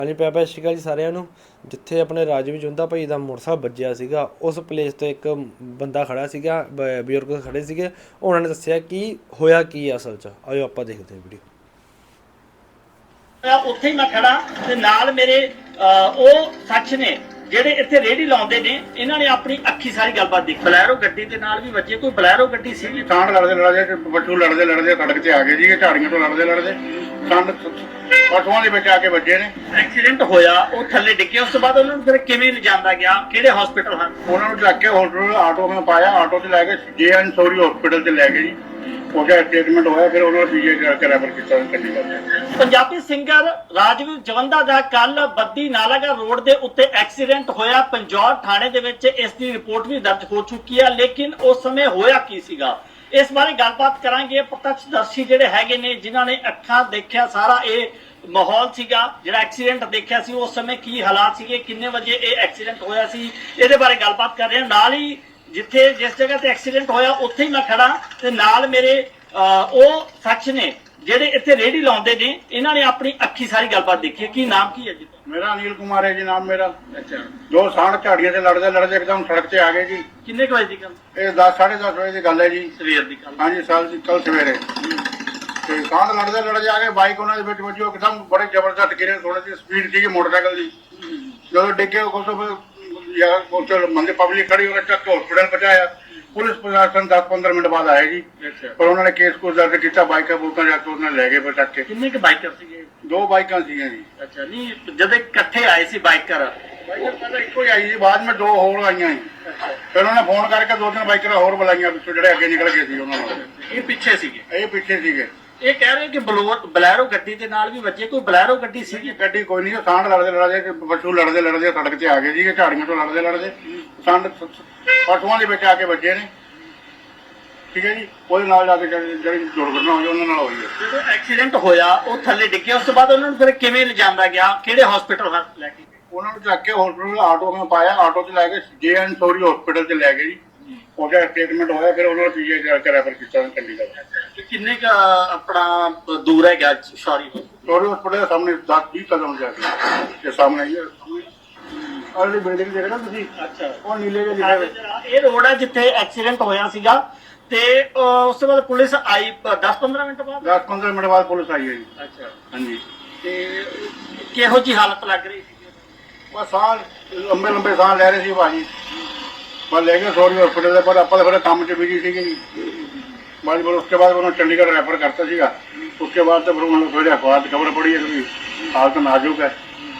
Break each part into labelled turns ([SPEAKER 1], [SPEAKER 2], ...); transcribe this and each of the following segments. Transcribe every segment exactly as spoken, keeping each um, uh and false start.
[SPEAKER 1] ਹਾਂਜੀ ਪਿਆ ਪਿਆ ਸਤਿ ਸ਼੍ਰੀ ਅਕਾਲ ਜੀ ਸਾਰਿਆਂ ਨੂੰ। ਜਿੱਥੇ ਆਪਣੇ ਰਾਜਵੀਰ ਜੁੰਦਾ ਭਾਈ ਦਾ ਮੋਟਰਸਾਈਕਲ ਵੱਜਿਆ ਸੀਗਾ ਉਸ ਪਲੇਸ ਤੇ ਇੱਕ ਬੰਦਾ ਖੜਾ ਸੀਗਾ, ਬ- ਬਜ਼ੁਰਗ ਖੜੇ ਸੀਗੇ। ਉਹਨਾਂ ਨੇ ਦੱਸਿਆ ਕਿ ਹੋਇਆ ਕੀ ਆ ਅਸਲ 'ਚ। ਆਇਓ ਆਪਾਂ ਦੇਖਦੇ ਹਾਂ ਵੀਡੀਓ।
[SPEAKER 2] ਉੱਥੇ ਹੀ ਮੈਂ ਖੜਾ ਤੇ ਨਾਲ ਮੇਰੇ ਅਹ, ਉਹ ਸੱਚ ਨੇ ਜਿਹੜੇ ਇੱਥੇ ਰੇਹੜੀ ਲਾਉਂਦੇ ਨੇ। ਇਹਨਾਂ ਨੇ ਆਪਣੀ ਅੱਖੀ ਸਾਰੀ ਗੱਲਬਾਤ ਦੇਖੀ। ਬਲੈਰੋ ਗੱਡੀ ਦੇ ਨਾਲ ਵੀ ਵੱਜੇ। ਕੋਈ ਬਲੈਰੋ ਗੱਡੀ ਸੀ।
[SPEAKER 3] ਸਾਂਢ ਲੜਦੇ ਲੜਦੇ ਪਸ਼ੂ ਲੜਦੇ ਲੜਦੇ ਸੜਕ ਤੇ ਆ ਗਏ ਜੀ। ਝਾੜੀਆਂ ਤੋਂ ਲੜਦੇ ਲੜਦੇ ਸੰਡ ਪਸ਼ੂਆਂ ਦੇ ਵਿੱਚ ਆ ਕੇ ਵੱਜੇ ਨੇ।
[SPEAKER 2] ਐਕਸੀਡੈਂਟ ਹੋਇਆ, ਉਹ ਥੱਲੇ ਡਿੱਗੇ। ਉਸ ਤੋਂ ਬਾਅਦ ਉਹਨਾਂ ਨੂੰ ਫਿਰ ਕਿਵੇਂ ਲਿਜਾਂਦਾ ਗਿਆ, ਕਿਹੜੇ ਹਸਪੀਟਲ ਹਨ?
[SPEAKER 3] ਉਹਨਾਂ ਨੂੰ ਚੱਕ ਕੇ ਹਸਪੀਟਲ ਆਟੋ ਵਿੱਚ ਪਾਇਆ। ਆਟੋ 'ਚ ਲੈ ਕੇ ਜੇ ਐਨ ਸੋਰੀ ਹਸਪੀਟਲ 'ਚ ਲੈ ਗਏ ਜੀ। ਉਹਦਾ ਟ੍ਰੀਟਮੈਂਟ ਹੋਇਆ, ਫਿਰ ਉਹਨਾਂ ਨੂੰ ਪੀਜੀ ਕਰਕੇ ਰੈਫਰ ਕੀਤਾ ਚੰਡੀਗੜ੍ਹ।
[SPEAKER 2] ਪੰਜਾਬੀ ਸਿੰਗਰ ਰਾਜਵੀਰ ਜਵੰਦਾ ਦਾ ਕੱਲ ਬੱਦੀ ਨਾਲਾਗੜ੍ਹ ਰੋਡ ਦੇ ਉੱਤੇ ਐਕਸੀਡੈਂਟ ਹੋਇਆ। ਪੰਜੌਰ ਥਾਣੇ ਦੇ ਵਿੱਚ ਇਸ ਦੀ ਰਿਪੋਰਟ ਵੀ ਦਰਜ ਹੋ ਚੁੱਕੀ ਹੈ। ਲੇਕਿਨ ਉਸ ਸਮੇਂ ਹੋਇਆ ਕੀ ਸੀਗਾ, ਇਸ ਬਾਰੇ ਗੱਲਬਾਤ ਕਰਾਂਗੇ। ਪ੍ਰਤੱਖਦਰਸ਼ੀ ਜਿਹੜੇ ਹੈਗੇ ਨੇ, ਜਿਨ੍ਹਾਂ ਨੇ ਅੱਖਾਂ ਦੇਖਿਆ ਸਾਰਾ ਇਹ ਮਾਹੌਲ ਸੀਗਾ, ਜਿਹੜਾ ਐਕਸੀਡੈਂਟ ਦੇਖਿਆ ਸੀ, ਉਸ ਸਮੇਂ ਕੀ ਹਾਲਾਤ ਸੀਗੇ, ਕਿੰਨੇ ਵਜੇ ਇਹ ਐਕਸੀਡੈਂਟ ਹੋਇਆ ਸੀ, ਇਹਦੇ ਬਾਰੇ ਗੱਲਬਾਤ ਕਰ ਰਹੇ ਹਾਂ। ਨਾਲ ਹੀ ਜਿੱਥੇ ਜਿਸ ਜਗ੍ਹਾ ਤੇ ਐਕਸੀਡੈਂਟ ਹੋਇਆ ਉੱਥੇ ਹੀ ਮੈਂ ਖੜਾ ਤੇ ਨਾਲ ਮੇਰੇ ਅਹ, ਉਹ ਸੱਚ ਨੇ ਜਿਹੜੇ ਇੱਥੇ ਰੇਹੜੀ ਲਾਉਂਦੇ ਨੇ। ਇਹਨਾਂ ਨੇ ਆਪਣੀ ਅੱਖੀ ਸਾਰੀ ਗੱਲਬਾਤ ਦੇਖੀ। ਕੀ ਨਾਮ ਕੀ ਹੈ ਜੀ?
[SPEAKER 3] ਮੇਰਾ ਅਨਿਲ ਕੁਮਾਰ ਹੈ ਜੀ ਨਾਮ ਮੇਰਾ।
[SPEAKER 2] ਅੱਛਾ,
[SPEAKER 3] ਦੋ ਸਾਂਢ ਝਾੜੀਆਂ ਤੇ ਲੜਦੇ ਲੜਦੇ ਇੱਕਦਮ ਸੜਕ ਤੇ ਆ ਗਏ ਜੀ।
[SPEAKER 2] ਕਿੰਨੇ ਕੁ ਵਜੇ ਦੀ ਗੱਲ?
[SPEAKER 3] ਇਹ ਦਸ ਸਾਢੇ ਦਸ ਵਜੇ ਦੀ ਗੱਲ ਹੈ ਜੀ।
[SPEAKER 2] ਸਵੇਰ ਦੀ ਗੱਲ।
[SPEAKER 3] ਹਾਂਜੀ ਸਾਲ ਦੀ ਕੱਲ ਸਵੇਰੇ ਤੇ ਸਾਂਢ ਲੜਦੇ ਲੜਦੇ ਆ ਕੇ ਬਾਈਕ ਉਹਨਾਂ ਦੇ ਵਿੱਚ ਵੱਜੀ। ਉਹ ਇੱਕਦਮ ਬੜੇ ਜ਼ਬਰਦਸਤ ਗਿਰੇ। ਥੋੜੀ ਜਿਹੀ ਸਪੀਡ ਸੀਗੀ ਮੋਟਰਸਾਈਕਲ ਦੀ। ਜਦੋਂ ਡਿੱਗੇ ਉਸ ਤੋਂ ਯਾਰ ਉੱਥੇ ਬੰਦੇ ਪਬਲਿਕ ਖੜੀ ਹੋ ਕੇ ਚੱਕ ਕੇ ਹਸਪੀਟਲ ਪਹੁੰਚਾਇਆ। ਪੁਲਿਸ ਪ੍ਰਸ਼ਾਸਨ ਦਸ ਪੰਦਰਾਂ ਮਿੰਟ ਬਾਅਦ ਆਇਆ ਜੀ। ਪਰ ਉਹਨਾਂ ਨੇ ਕੇਸ ਕੋਸ ਦਰਜ ਕੀਤਾ। ਬਾਈਕਾਂ ਬੂਕਾਂ ਜਾ ਕੇ ਉਹਨਾਂ ਨੇ ਲੈ ਗਏ ਫਿਰ ਚੱਕ ਕੇ।
[SPEAKER 2] ਕਿੰਨੇ ਕੁ ਬਾਈਕਰ ਸੀਗੇ?
[SPEAKER 3] ਦੋ ਬਾਈਕਾਂ ਸੀਗੀਆਂ ਜੀ।
[SPEAKER 2] ਅੱਛਾ, ਨਹੀਂ ਜਦੋਂ ਇਕੱਠੇ ਆਏ ਸੀ ਬਾਈਕਰ?
[SPEAKER 3] ਬਾਈਕਰ ਪਹਿਲਾਂ ਇੱਕੋ ਹੀ ਆਈ ਜੀ, ਬਾਅਦ ਵਿੱਚ ਦੋ ਹੋਰ ਆਈਆਂ ਜੀ। ਫਿਰ ਉਹਨਾਂ ਨੇ ਫੋਨ ਕਰਕੇ ਦੋ ਤਿੰਨ ਬਾਈਕਰਾਂ ਹੋਰ ਬੁਲਾਈਆਂ ਪਿੱਛੋਂ, ਜਿਹੜੇ ਅੱਗੇ ਨਿਕਲ ਗਏ ਸੀ ਉਹਨਾਂ ਨੂੰ।
[SPEAKER 2] ਇਹ ਪਿੱਛੇ ਸੀਗੇ?
[SPEAKER 3] ਇਹ ਪਿੱਛੇ ਸੀਗੇ।
[SPEAKER 2] ਇਹ ਕਹਿ ਰਹੇ ਕਿ ਬਲੋ- ਬਲੈਰੋ ਗੱਡੀ ਦੇ ਨਾਲ ਵੀ ਵੱਜੇ। ਕੋਈ ਬਲੈਰੋ ਗੱਡੀ ਸੀਗੀ?
[SPEAKER 3] ਗੱਡੀ ਕੋਈ ਨਹੀਂ। ਸਾਂਢ ਲੜਦੇ ਲੜਦੇ ਪਸ਼ੂ ਲੜਦੇ ਲੜਦੇ ਸੜਕ ਤੇ ਆ ਗਏ ਜੀ। ਝਾੜੀਆਂ ਤੋਂ ਲੜਦੇ ਲੜਦੇ ਸੰਡ ਪਸ਼ੂਆਂ ਦੇ ਵਿੱਚ ਆ ਕੇ ਵੱਜੇ ਨੇ। ਠੀਕ ਹੈ ਜੀ। ਉਹਦੇ ਨਾਲ ਜਾ ਕੇ ਜਿਹੜੀ ਜਿਹੜੀ ਦੁਰਘਟਨਾ ਹੋਈ ਉਹਨਾਂ ਨਾਲ ਹੋਈ ਹੈ।
[SPEAKER 2] ਜਦੋਂ ਐਕਸੀਡੈਂਟ ਹੋਇਆ ਉਹ ਥੱਲੇ ਡਿੱਗੇ। ਉਸ ਤੋਂ ਬਾਅਦ ਉਹਨਾਂ ਨੂੰ ਫਿਰ ਕਿਵੇਂ ਲਿਜਾਂਦਾ ਗਿਆ, ਕਿਹੜੇ ਹਸਪੀਟਲ ਲੈ ਕੇ?
[SPEAKER 3] ਉਹਨਾਂ ਨੂੰ ਚੱਕ ਕੇ ਹਸਪੀਟਲ ਆਟੋ ਵਿੱਚ ਪਾਇਆ। ਆਟੋ 'ਚ ਲੈ ਕੇ ਜੇ ਐਨ ਸੋਰੀ ਹਸਪੀਟਲ 'ਚ ਲੈ ਗਏ ਜੀ। ਉਹਦਾ ਟ੍ਰੀਟਮੈਂਟ ਹੋਇਆ, ਫਿਰ ਉਹਨਾਂ ਨੂੰ ਪੀਜੀ ਕਰਕੇ ਰੈਫਰ ਕੀਤਾ ਚੰਡੀਗੜ੍ਹ।
[SPEAKER 2] ਤੇ ਕਿੰਨੇ ਕ ਆਪਣਾ ਦੂਰ ਹੈ ਗਿਆ ਸੌਰੀ
[SPEAKER 3] ਸੋਰੀ ਹਸਪੀਟਲ ਦੇ ਸਾਹਮਣੇ ਦਸ ਵੀਹ ਕਦਮ ਜਾ ਕੇ ਇਹ ਸਾਹਮਣੇ ਹੀ ਹੈ। ਅਰਲੀ ਬਿਲਡਿੰਗ ਦੇਖ ਰਹੇ ਤੁਸੀਂ?
[SPEAKER 2] ਅੱਛਾ,
[SPEAKER 3] ਉਹ ਨੀਲੇ ਜਿਹੇ ਲਿਖੇ ਹੋਏ।
[SPEAKER 2] ਇਹ ਰੋਡ ਹੈ ਜਿੱਥੇ ਐਕਸੀਡੈਂਟ ਹੋਇਆ ਸੀਗਾ। ਤੇ ਅਹ, ਉਸ ਤੋਂ ਬਾਅਦ ਪੁਲਿਸ ਆਈ ਦਸ ਪੰਦਰਾਂ ਮਿੰਟ ਬਾਅਦ?
[SPEAKER 3] ਦਸ ਪੰਦਰਾਂ ਮਿੰਟ ਬਾਅਦ ਪੁਲਿਸ ਆਈ ਹੈ ਜੀ।
[SPEAKER 2] ਅੱਛਾ,
[SPEAKER 3] ਹਾਂਜੀ।
[SPEAKER 2] ਤੇ ਕਿਹੋ ਜੀ ਹਾਲਤ ਲੱਗ ਰਹੀ ਸੀ?
[SPEAKER 3] ਬਸ ਸਾਹ ਲੰਬੇ ਲੰਬੇ ਸਾਹ ਲੈ ਰਹੇ ਸੀ ਭਾਜੀ। ਬਸ ਲੈ ਗਏ ਸੋਰੀ ਹਸਪੀਟਲ ਦੇ। ਪਰ ਆਪਾਂ ਤਾਂ ਫਿਰ ਕੰਮ 'ਚ ਬਿਜੀ ਸੀਗੇ ਜੀ। ਬਾਅਦ ਫਿਰ उसके बाद उन्होंने चंडीगढ़ रेफर करता सीगा। उसके बाद तो फिर उन्होंने फिर अखबार की खबर पड़ी है कि हालत नाजुक है।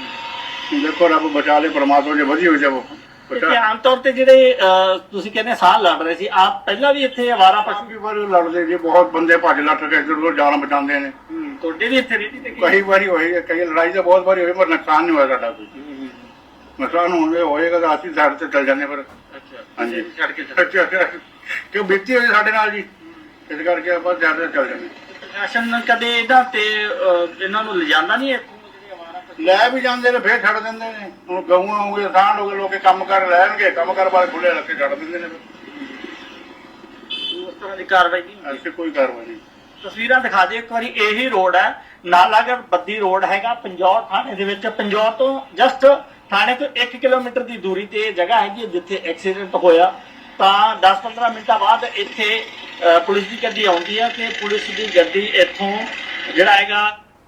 [SPEAKER 3] देखो रब बचा ले परमात्मा जो वधी हुई जब
[SPEAKER 2] ਤੇ ਆਮ ਤੌਰ ਤੇ ਜਿਹੜੇ ਅਹ, ਤੁਸੀਂ ਕਹਿੰਦੇ ਸਾਹ ਲੜ ਰਹੇ ਸੀ, ਆਪ ਪਹਿਲਾਂ ਵੀ ਇੱਥੇ ਆਵਾਰਾ ਪਸ਼ੂ?
[SPEAKER 3] ਕਾਫੀ ਵਾਰ ਲੜਦੇ ਜੀ। ਬਹੁਤ ਬੰਦੇ ਭੱਜ ਲੱਟ ਕੇ ਇੱਧਰ ਉੱਧਰ ਜਾਨ ਬਚਾਉਂਦੇ ਨੇ।
[SPEAKER 2] ਤੁਹਾਡੇ ਵੀ ਇੱਥੇ ਰੇਹੜੀ ਤੇ
[SPEAKER 3] ਕਈ ਵਾਰੀ ਹੋਈ ਹੈ, ਕਈ ਲੜਾਈ ਤਾਂ ਬਹੁਤ ਵਾਰੀ ਹੋਈ, ਪਰ ਨੁਕਸਾਨ ਨਹੀਂ ਹੋਇਆ ਸਾਡਾ ਕੋਈ। ਨੁਕਸਾਨ ਹੋਣਗੇ ਹੋਏਗਾ ਤਾਂ ਅਸੀਂ ਸਾਈਡ ਤੇ ਚੱਲ ਜਾਂਦੇ ਫਿਰ।
[SPEAKER 2] ਅੱਛਾ,
[SPEAKER 3] ਹਾਂਜੀ।
[SPEAKER 2] ਛੱਡ ਕੇ
[SPEAKER 3] ਅੱਛਾ ਅੱਛਾ। ਕਿਉਂ ਬੀਤੀ ਹੋਈ ਸਾਡੇ ਨਾਲ ਜੀ, ਇਸ ਕਰਕੇ ਆਪਾਂ ਜ਼ਿਆਦਾ ਚੱਲ ਜਾਂਦੇ।
[SPEAKER 2] ਪ੍ਰਸ਼ਾਸਨ ਕਦੇ ਇਹਨਾਂ ਤੇ ਅਹ, ਇਹਨਾਂ ਨੂੰ ਲਿਜਾਂਦਾ ਨਹੀਂ ਇੱਥੋਂ ਜਿਹੜੇ ਆਵਾਰਾ ਪਸ਼ੂ?
[SPEAKER 3] ਲੈ ਵੀ ਜਾਂਦੇ ਨੇ, ਫੇਰ ਛੱਡ ਦਿੰਦੇ ਨੇ। ਹੁਣ ਗਊਆਂ ਹੋ ਗਏ, ਸਾਂਢ ਹੋ ਗਏ, ਲੋਕੇ ਕੰਮ ਕਰ ਲੈਣਗੇ, ਕੰਮ ਕਰ ਵਾਲੇ ਖੁੱਲੇ ਰੱਖ ਕੇ ਛੱਡ ਦਿੰਦੇ ਨੇ।
[SPEAKER 2] ਉਸ ਤਰ੍ਹਾਂ ਦੀ ਕਾਰਵਾਈ ਨਹੀਂ ਹੁੰਦੀ?
[SPEAKER 3] ਐਸੀ ਕੋਈ ਕਾਰਵਾਈ ਨਹੀਂ।
[SPEAKER 2] ਤਸਵੀਰਾਂ ਦਿਖਾ ਦਿਓ ਇੱਕ ਵਾਰੀ। ਇਹੀ ਰੋਡ ਹੈ, ਨਾਲਾਗੜ੍ਹ ਬੱਦੀ ਰੋਡ ਹੈਗਾ ਪੰਜੌਰ ਥਾਣੇ ਦੇ ਵਿੱਚ। ਪੰਜੌਰ ਤੋਂ ਜਸਟ ਥਾਣੇ ਤੋਂ ਇੱਕ ਕਿਲੋਮੀਟਰ ਦੀ ਦੂਰੀ ਤੇ ਇਹ ਜਗ੍ਹਾ ਹੈਗੀ ਜਿੱਥੇ ਐਕਸੀਡੈਂਟ ਹੋਇਆ। ਤਾਂ ਦਸ ਪੰਦਰਾਂ ਮਿੰਟਾਂ ਬਾਅਦ ਇੱਥੇ ਅਹ, ਪੁਲਿਸ ਦੀ ਗੱਡੀ ਆਉਂਦੀ ਹੈ ਤੇ ਪੁਲਿਸ ਦੀ ਗੱਡੀ ਇੱਥੋਂ ਜਿਹੜਾ ਹੈਗਾ।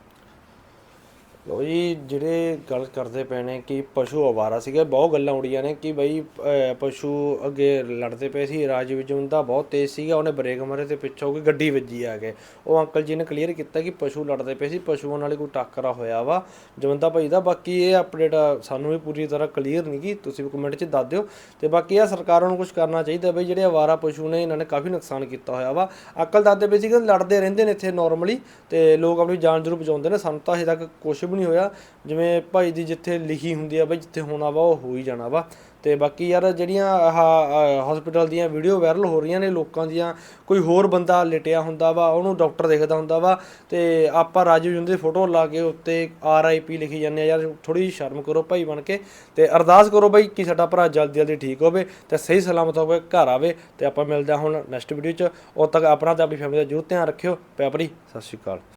[SPEAKER 1] ਲੋ ਜੀ, ਜਿਹੜੇ ਗੱਲ ਕਰਦੇ ਪਏ ਨੇ ਕਿ ਪਸ਼ੂ ਅਵਾਰਾ ਸੀਗੇ, ਬਹੁਤ ਗੱਲਾਂ ਉੜੀਆਂ ਨੇ ਕਿ ਬਈ ਅਹ, ਪਸ਼ੂ ਅੱਗੇ ਲੜਦੇ ਪਏ ਸੀ। ਰਾਜਵੀਰ ਜੁੰਦਾ ਬਹੁਤ ਤੇਜ਼ ਸੀਗਾ, ਉਹਨੇ ਬ੍ਰੇਕ ਮਾਰੇ ਤੇ ਪਿੱਛੋਂ ਕੋਈ ਗੱਡੀ ਵੱਜੀ ਆ ਕੇ। ਉਹ ਅੰਕਲ ਜੀ ਨੇ ਕਲੀਅਰ ਕੀਤਾ ਕਿ ਪਸ਼ੂ ਲੜਦੇ ਪਏ ਸੀ, ਪਸ਼ੂਆਂ ਨਾਲ ਕੋਈ ਟੱਕਰਾ ਹੋਇਆ ਵਾ ਜਵੰਦਾ ਭਾਈ ਦਾ। ਬਾਕੀ ਇਹ ਅਪਡੇਟ ਸਾਨੂੰ ਵੀ ਪੂਰੀ ਤਰ੍ਹਾਂ ਕਲੀਅਰ ਨਹੀਂ ਗੀ, ਤੁਸੀਂ ਵੀ ਕਮੈਂਟ 'ਚ ਦੱਸ ਦਿਓ। ਤੇ ਬਾਕੀ ਇਹ ਸਰਕਾਰਾਂ ਨੂੰ ਕੁਝ ਕਰਨਾ ਚਾਹੀਦਾ ਬਈ, ਜਿਹੜੇ ਅਵਾਰਾ ਪਸ਼ੂ ਨੇ ਇਹਨਾਂ ਨੇ ਕਾਫੀ ਨੁਕਸਾਨ ਕੀਤਾ ਹੋਇਆ ਵਾ। ਅੰਕਲ ਦੱਸਦੇ ਪਏ ਸੀ ਕਿ ਲੜਦੇ ਰਹਿੰਦੇ ਨੇ ਇੱਥੇ ਨੋਰਮਲੀ, ਤੇ ਲੋਕ ਆਪਣੀ ਜਾਨ ਜ਼ਰੂਰ ਬਚਾਉਂਦੇ ਨੇ। ਸਾਨੂੰ ਤਾਂ ਹਜੇ ਤੱਕ ਕੁਛ ਨਹੀਂ ਹੋਇਆ। ਜਿਵੇਂ ਭਾਈ ਦੀ ਜਿੱਥੇ ਲਿਖੀ ਹੁੰਦੀ ਆ ਬਈ, ਜਿੱਥੇ ਹੋਣਾ ਵਾ ਉਹ ਹੋ ਹੀ ਜਾਣਾ ਵਾ। ਤੇ ਬਾਕੀ ਯਾਰ ਜਿਹੜੀਆਂ ਆਹ ਹਸਪੀਟਲ ਦੀਆਂ ਵੀਡੀਓ ਵਾਇਰਲ ਹੋ ਰਹੀਆਂ ਨੇ ਲੋਕਾਂ ਦੀਆਂ, ਕੋਈ ਹੋਰ ਬੰਦਾ ਲਿਟਿਆ ਹੁੰਦਾ ਵਾ, ਉਹਨੂੰ ਡਾਕਟਰ ਦੇਖਦਾ ਹੁੰਦਾ ਵਾ, ਤੇ ਆਪਾਂ ਰਾਜਵੀਰ ਜੁੰਦੇ ਦੀ ਫੋਟੋ ਲਾ ਕੇ ਉੱਤੇ ਆਰ ਆਈ ਪੀ ਲਿਖੀ ਜਾਂਦੇ ਆ। ਯਾਰ ਥੋੜ੍ਹੀ ਜਿਹੀ ਸ਼ਰਮ ਕਰੋ ਭਾਈ ਬਣ ਕੇ, ਤੇ ਅਰਦਾਸ ਕਰੋ ਬਈ ਕਿ ਸਾਡਾ ਭਰਾ ਜਲਦੀ ਜਲਦੀ ਠੀਕ ਹੋਵੇ ਤੇ ਸਹੀ ਸਲਾਮਤ ਹੋਵੇ, ਘਰ ਆਵੇ। ਤੇ ਆਪਾਂ ਮਿਲਦੇ ਹਾਂ ਹੁਣ ਨੈਕਸਟ ਵੀਡੀਓ 'ਚ। ਉਦੋਂ ਤੱਕ ਆਪਣਾ ਤੇ ਆਪਣੀ ਫੈਮਿਲੀ ਦਾ ਜ਼ਰੂਰ ਧਿਆਨ ਰੱਖਿਓ। ਪਿਆਰ ਭਰੀ ਸਤਿ ਸ਼੍ਰੀ ਅਕਾਲ।